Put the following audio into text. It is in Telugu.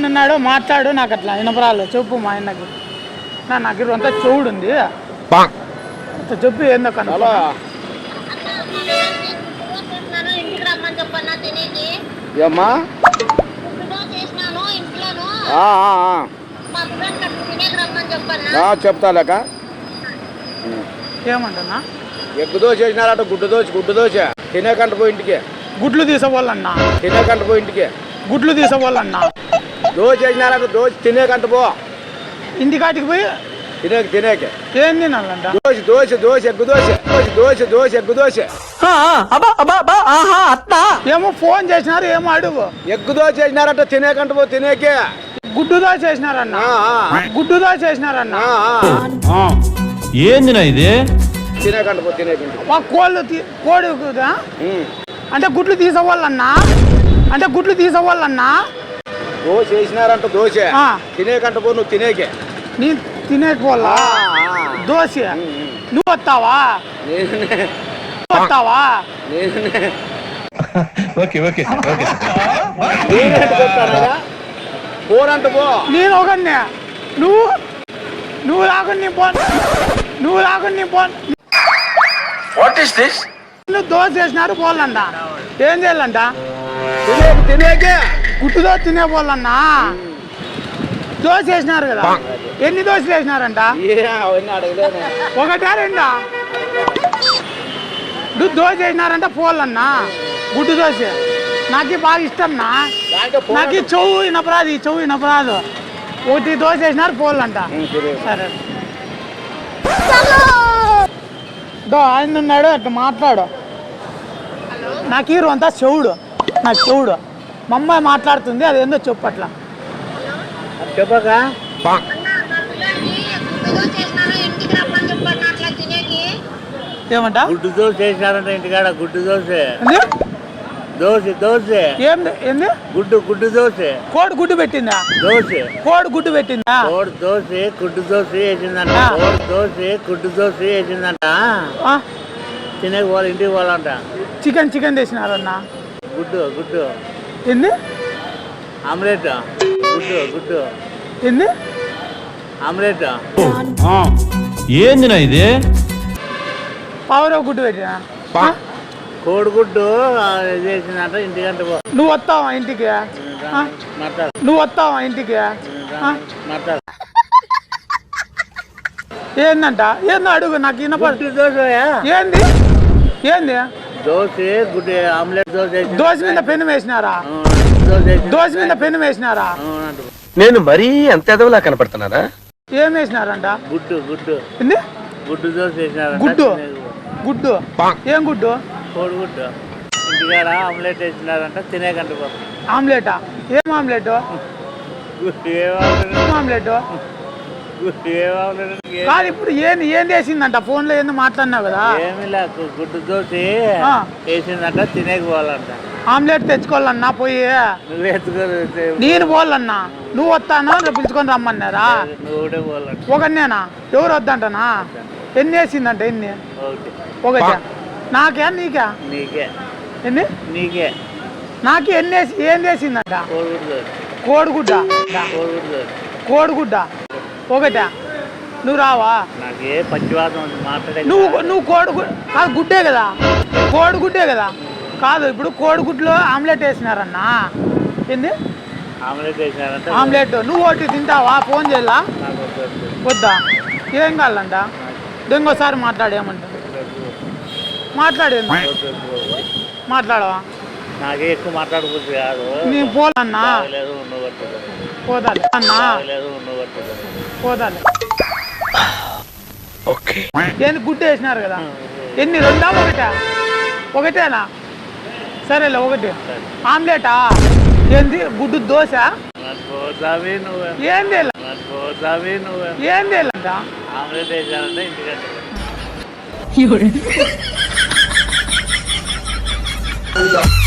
ఆయన ఉన్నాడు మాట్లాడు. నాకు అట్లా వినపరాలు. చెప్పు మా ఆయనకి. నాకు అంతా చెవుడు ఉంది. చెప్పు ఏందో కన్నా. ఏమ్మా చెప్తాలేక ఏమంటున్నా? ఎగ్గు దోశ వేసినారట. గుడ్డు దోశ తినేకంట పోయి ఇంటికి. గుడ్లు తీసుకోవాలన్నా. తినేకంట పోయి ఇంటికి. గుడ్లు తీసుకోవాలన్నా. దోశ వేసినారట. దోశ తినేకంట పో ఇంటికాటికి పోయి తినేకి. ఏం తినాలంట? ఎగ్గు దోశ. ఏమో ఫోన్ చేసినారు. ఏమో అడుగు. ఎగ్గు దోశ వేసినారట. తినేకంట పో తినేకి. గుడ్డు దోశ వేసినారన్నా. గుడ్డు దోశ వేసినారన్నా. ఏందినా ఇది? తినేకంట పో తినేకి. మా కోడి అంటే గుడ్లు తీసుకోవాలన్నా. దోశ వేసినారంట. దోశ తినేకంట పో నువ్వు తినేకి. నీ తినేకోవాలా దోశ? నువ్వు వస్తావా? పోరంట పో. నేను ఒకనే. నువ్వు రాకుండా నువ్వు దోశ వేసినారు పోవాలంట. ఏం చేయాలంట? తినేకే గుడ్డు దోశ తినే పోవాలన్నా. దోశ వేసినారు కదా. ఎన్ని దోశలు వేసినారంట? ఒకటా రెండా? దోశ వేసినారంట పోవాలన్నా. గుడ్డు దోశ నాకు బాగా ఇష్టంనా. నాకు చెవు వినపరాదు. ఒకటి దోశ వేసినారు పోవాలంట. సరే ఆయన ఉన్నాడు అట్లా మాట్లాడు. నాకు హీరో అంతా చెవుడు. మా అమ్మాయి మాట్లాడుతుంది. అదేందో చెప్పు అట్లా. చెప్పక ఏమంట? గుడ్డు దోశ చేసినారంట ఇంటికాడ. గుడ్డు దోశ. దోశ ఏంది? గుడ్డు దోశ. కోడి గుడ్డు పెట్టిందా? కోడి గుడ్డు పెట్టిందా? దోశ గుడ్డు దోశ వేసిందంట. గుడ్డు దోశ వేసిందంట. తినేకి పోవాలి. ఇంటికి పోవాలంట. చికెన్ తెచ్చినారన్న. గుడ్డు ఏంది? ఆమ్లెట్. గుడ్డు ఏంది? ఆమ్లెట్. ఏందినా ఇది? పావురవ గుడ్డు పెట్టినా. కోడిగుడ్డు చేసిందంట. ఇంటికంటే నువ్వు వస్తావా ఇంటికి? ఏందంట? ఏందో అడుగు. నాకు వినపడు. దోశ ఏంది? దోశ గుడ్డు ఆమ్లెట్. దోశ మీద పెన్ను వేసినారా? నేను మరీ అంత ఎదవలా కనపడుతున్నారా? ఏం వేసినారంట? గుడ్డు దోశ వేసినారంట. గుడ్డు ఏం గుడ్డు? కోడిగుడ్డు. ఇంటికాడ ఆమ్లెట్ వేసినారంట. తినేకంట. ఆమ్లెటా? ఏం ఆమ్లెట్? కాదు ఇప్పుడు ఏం వేసిందంట? ఫోన్ లో ఏందో మాట్లాడినావు కదా. ఏమి లేదు. గుడ్డు దోశ వేసిందంట. తినేకి పోవాలంట. ఆమ్లెట్ తెచ్చుకోవాలన్నా పోయి. నువ్వు ఎత్తుకోలేదు. నేను పోవాలన్నా. నువ్వు వస్తానా? పిలుచుకొని రమ్మన్నారా? నువ్వు పోవాలంట. ఒకనేనా? ఎవరు వద్దంటనా? ఎన్ని వేసిందంట? ఎన్ని? ఒకటి. నాకే నీకా? నీకే. నాకు ఏం వేసిందంట? కోడిగుడ్డ ఒకటా? నువ్వు రావా? నువ్వు గుడ్డే కదా. కోడిగుడ్డే కదా. కాదు ఇప్పుడు కోడిగుడ్లో ఆమ్లెట్ వేసినారన్నా. ఏంది ఆమ్లెట్? నువ్వు ఒకటి తింటావా? ఫోన్ చేయాలా? వద్దా? ఏం కావాలంట? ఇంకోసారి మాట్లాడేమంటా? మాట్లాడవా? నాకే ఎక్కువ మాట్లాడకూడదు కాదు. నేను పోలన్నా. పోదాలి అన్నా. ఏంది గుడ్డ వేసినారు కదా. ఎన్ని? రెండా? ఒకటేనా? సరేలే ఒకటి. ఆమ్లెటా? ఏంది? గుడ్డు దోశ? ఏంది? ఏందేలంట? ఆమ్లెట్ వేసారంటే ఇంటికంటే